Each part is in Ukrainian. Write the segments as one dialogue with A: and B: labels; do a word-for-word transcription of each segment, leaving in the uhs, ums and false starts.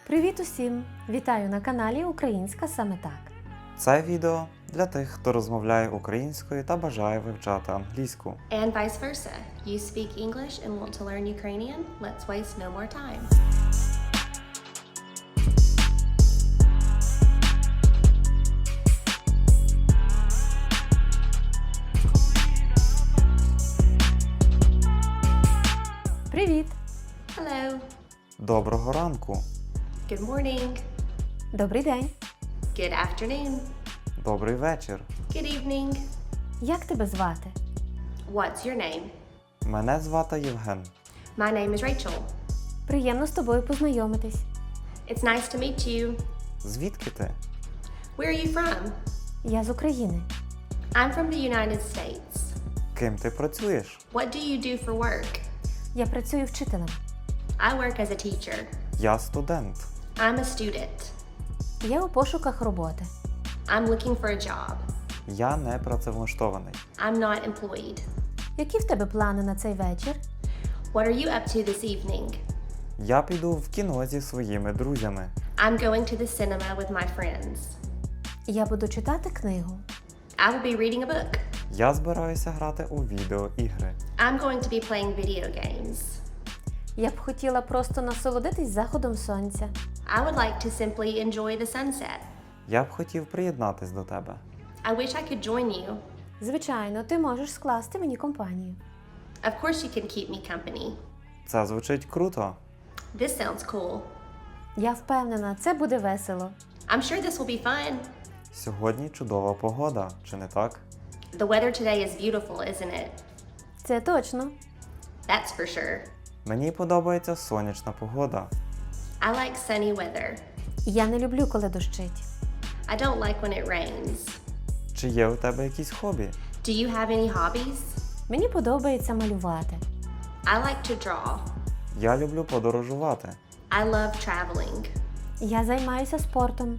A: Привіт усім! Вітаю на каналі Українська саме так.
B: Це відео для тих, хто розмовляє українською та бажає вивчати англійську.
C: And vice versa. You speak English and want to learn Ukrainian? Let's waste no more time.
A: Привіт!
C: Hello.
B: Доброго ранку!
C: Good morning.
A: Добрий день!
C: Good afternoon.
B: Добрий вечір!
C: Good evening.
A: Як тебе звати?
C: What's your name?
B: Мене звати Євген.
C: My name is Rachel.
A: Приємно з тобою познайомитись.
C: It's nice to meet you.
B: Звідки ти?
C: Where are you from?
A: Я з України.
C: I'm from the United States.
B: Ким ти працюєш?
C: What do you do for work?
A: Я працюю вчителем.
C: I work as a teacher.
B: Я студент.
C: I'm a student.
A: Я у пошуках роботи.
C: I'm looking for a job.
B: Я не працевлаштований.
C: I'm not employed.
A: Які в тебе плани на цей вечір?
C: What are you up to this evening?
B: Я піду в кіно зі своїми друзями.
C: I'm going to the cinema with my friends.
A: Я буду читати книгу.
C: I will be reading a book.
B: Я збираюся грати у відеоігри.
C: I'm going to be playing video games.
A: Я б хотіла просто насолодитись заходом сонця.
C: I would like to simply enjoy the sunset.
B: Я б хотів приєднатись до тебе.
C: I wish I could join you.
A: Звичайно, ти можеш скласти мені компанію.
C: Of course you can keep me company.
B: Це звучить круто.
C: This sounds cool.
A: Я впевнена, це буде весело.
C: I'm sure this will be fun.
B: Сьогодні чудова погода, чи не так?
C: The weather today is beautiful, isn't it?
A: Це точно.
C: That's for sure.
B: Мені подобається сонячна погода.
C: I like sunny weather.
A: Я не люблю, коли дощить.
C: I don't like when it rains.
B: Чи є у тебе якісь хобі?
C: Do you have any hobbies?
A: Мені подобається малювати.
C: I like to draw.
B: Я люблю подорожувати.
C: I love traveling.
A: Я займаюся спортом.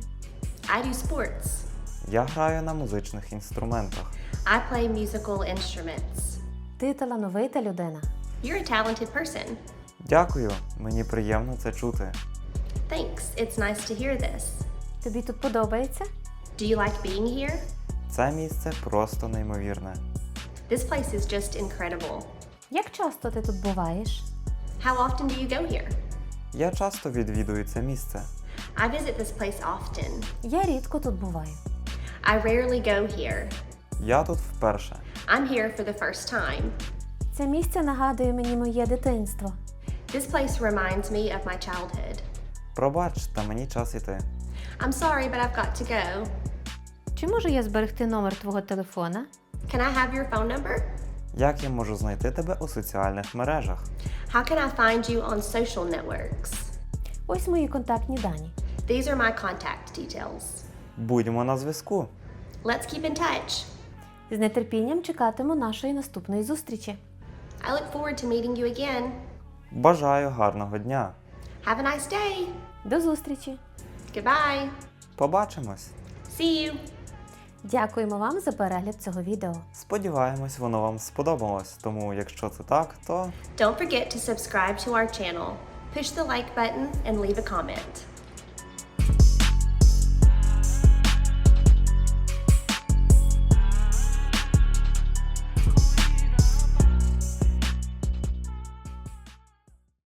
C: I do sports.
B: Я граю на музичних інструментах.
C: I play musical instruments.
A: Ти талановита людина.
C: You're a talented person.
B: Дякую, мені приємно це чути.
C: Thanks. It's nice to hear this.
A: Тобі тут подобається?
C: Do you like being here?
B: Це місце просто неймовірне.
C: This place is just incredible.
A: Як часто ти тут буваєш?
C: How often do you go here?
B: Я часто відвідую це місце.
C: I visit this place often.
A: Я рідко тут буваю.
C: I rarely go here.
B: Я тут вперше.
C: I'm here for the first time.
A: Це місце нагадує мені моє дитинство.
C: This place reminds me of my childhood.
B: Пробач, та мені час іти.
C: I'm sorry, but I've got to go.
A: Чи можу я зберегти номер твого телефона?
C: Can I have your phone number?
B: Як я можу знайти тебе у соціальних мережах?
C: How can I find you on social networks?
A: Ось мої контактні дані.
C: These are my contact details.
B: Будьмо на зв'язку.
C: Let's keep in touch.
A: З нетерпінням чекатиму нашої наступної зустрічі.
C: I look forward to meeting you again.
B: Бажаю гарного дня.
C: Have a nice day.
A: До зустрічі!
C: Goodbye.
B: Побачимось.
C: See you.
A: Дякуємо вам за перегляд цього відео.
B: Сподіваємось, воно вам сподобалось. Тому, якщо це так, то
C: Don't forget to subscribe to our channel. Push the like button and leave a comment.